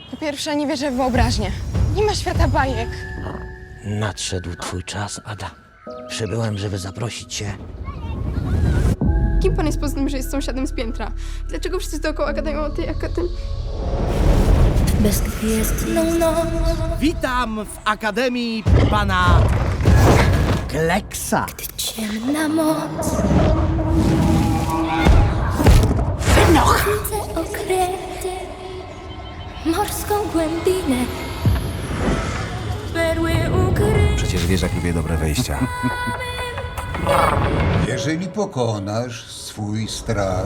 Po pierwsze, nie wierzę w wyobraźnię. Nie ma świata bajek. Nadszedł twój czas, Ada. Przybyłem, żeby zaprosić cię. Kim pan jest poza tym, że jest sąsiadem z piętra? Dlaczego wszyscy dookoła gadają o tej akademii? Bezgwiezdną noc. Witam w Akademii pana Kleksa. Ciemna moc. Widzę okręty, morską głębinę, perły ukryte. Przecież wiesz, jak lubię dobre wejścia. Jeżeli pokonasz swój strach,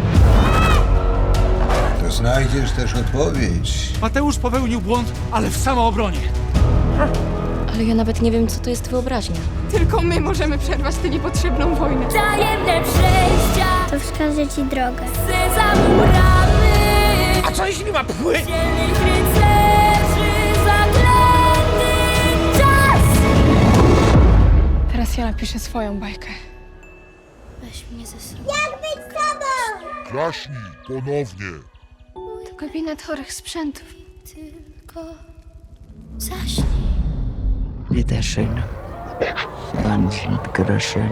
to znajdziesz też odpowiedź. Mateusz popełnił błąd, ale w samoobronie. Ale ja nawet nie wiem, co to jest wyobraźnia. Tylko my możemy przerwać tę niepotrzebną wojnę. Tajemne przejścia, To wskaże ci drogę. za murami. A co jeśli ma pły? Dzielnych rycerzy, zaklęty czas. Teraz ja napiszę swoją bajkę. Weź mnie ze sobą. Klaśnij ponownie. To gabinet chorych sprzętów. Tylko zaśnij. Bitteschön. Ganz bitteschön.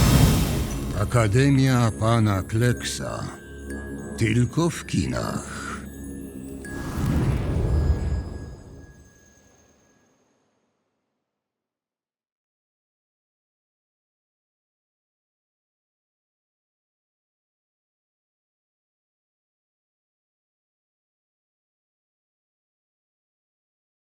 Akademia pana Kleksa. Tylko w kinach.